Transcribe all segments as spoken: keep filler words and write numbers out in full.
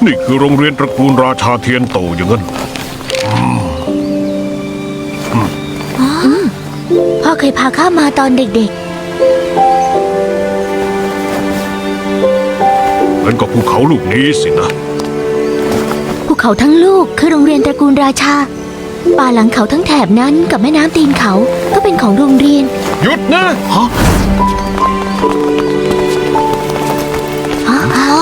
นี่คือโรงเรียนตระกูลราชาเทียนโตอย่างนั้นพ่อเคยพาข้ามาตอนเด็กเหมือนกับภูเขาลูกนี้สินะๆภูเขาทั้งลูกคือโรงเรียนตระกูลราชา ป่าหลังเขาทั้งแถบนั้นกับแม่น้ำตีนเขาก็เป็นของโรงเรียนหยุดนะฮะฮะ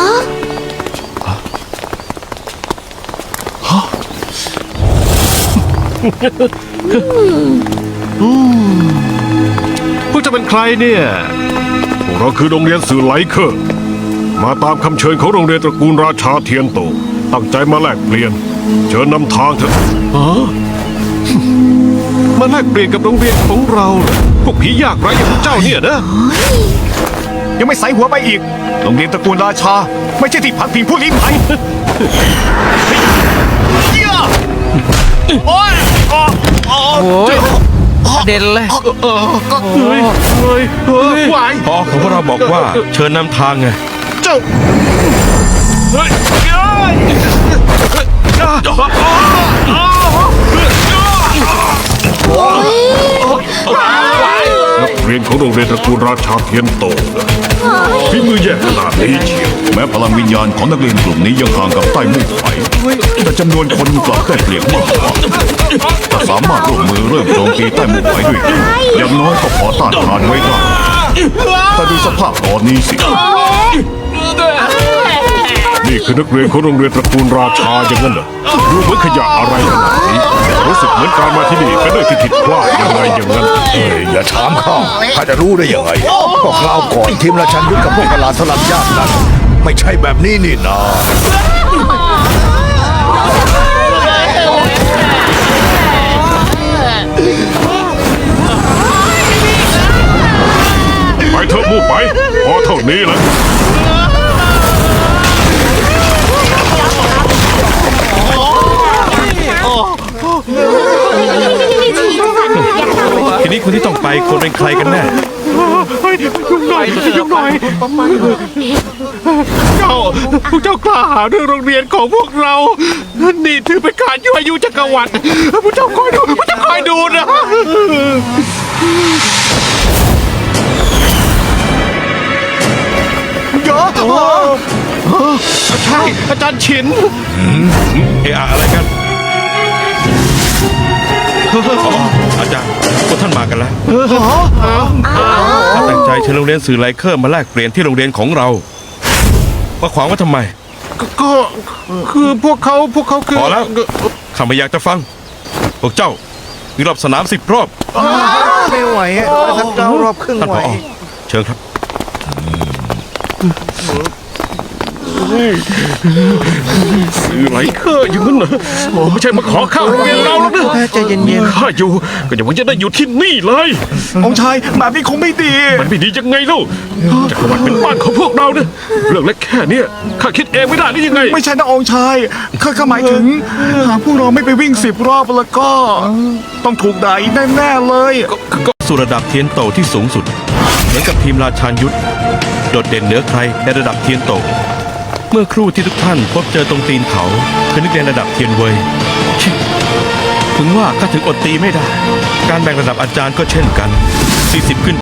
พวกจะเป็นใครเนี่ยพวกเราคือโรงเรียนสื่อไหลเคอร์มาตามคำเชิญของโรงเรียนตระกูลราชาเทียนโตตั้งใจมาแลกเปลี่ยนเชิญนำทางเถอะมาแลกเปลี่ยนกับโรงเรียนของเราเหรอพวกผียากไร้อย่างพวกเจ้าเนี่ยนะยังไม่ใส่หัวไปอีก โรงเรียนตระกูลราชา ไม่ใช่ที่พักพิงผู้ลี้ภัยโอ้ยโอ้ยประเด็นเลยเฮ้ยเฮ้ยเฮ้ยไหวพอของพวกเราบอกว่าเชิญนำทางไงเจ้าเฮ้ยนักเรียนของโรงเรียนตระกูลราชาเทียนโตฝีมือแย่ขนาดนี้เชียวแม้พลังวิญญาณของนักเรียนกลุ่มนี้ยังห่างกับใต้มู่ไฟแต่จำนวนคนกลับได้เปรียบมากกว่าถ้าสามารถร่วมมือเริ่มโจมตีใต้มู่ไฟด้วยกันอย่างน้อยก็พอต้านทานไว้ได้แต่ดูสภาพตอนนี้สินี่คือนักเรียนของโรงเรียนตระกูลราชาอย่างนั้นเหรอดูเหมือนขยะอะไรขนาดนี้รู้สึกเหมือนการมาที่นี่เป็นเรื่องที่ผิดพลาดยังไงอย่างนั้นเอ้ยอย่าถามข้าข้าจะรู้ได้ยังไงก็คราวก่อนทีมราชันยุทธกับพวกประหลาดสลัดญาตินั้นไม่ใช่แบบนี้นี่นาไปเถอะมู่ไปพอเท่านี้แหละทีนี้คนที่ต้องไปควรเป็นใครกันแน่ยุ่งหน่อยยุ่งหน่อยเจ้าพวกเจ้ากล้าหาญด้วยโรงเรียนของพวกเรา นี่ถือเป็นการยั่วยุจักรวรรดิพวกเจ้าคอยดูพวกเจ้าคอยดูนะเยอะใช่อาจารย์ฉินเอะอะอะไรกันอ๋ออาจารย์พวกท่านมากันแล้วข้าตั้งใจเชิญโรงเรียนสื่อไลเคอร์มาแลกเปลี่ยนที่โรงเรียนของเรามาขวางว่าทำไมก็คือพวกเขาพวกเขาคือพอแล้วข้าไม่อยากจะฟัง พวกเจ้ามีรอบสนามสิบรอบไม่ไหวท่านเก้ารอบครึ่งท่านไหผวอเชิญครับสื่อไหลเคอร์อย่างนั้นเหรอผมไม่ใช่มาขอข้าวโรงเรียนเราแล้วนะใจเย็นข้าอยู่ก็อย่าหวังจะได้อยู่ที่นี่เลยองค์ชายแบบนี้คงไม่ดีมันไม่ดียังไงเล่าจักรวรรดิเป็นบ้านของพวกเรานะเรื่องเล็กแค่เนี้ยข้าคิดเองไม่ได้หรือยังไงไม่ใช่นะองค์ชายข้าข้าหมายถึง หากพวกเราไม่ไปวิ่งสิบรอบแล้วก็ ต้องถูกด่าอีกแน่ๆเลยสู่ระดับเทียนโตที่สูงสุด เหมือนกับทีมราชาญยุทธโดดเด่นเหนือใครในระดับเทียนโต เมื่อครู่ที่ทุกท่านพบเจอตรงตีนเขาคือนักเรียนระดับเทียนเวยชิถึงว่าข้าถึงอดตีไม่ได้ การแบ่งระดับอาจารย์ก็เช่นกันสี่สิบขึ้น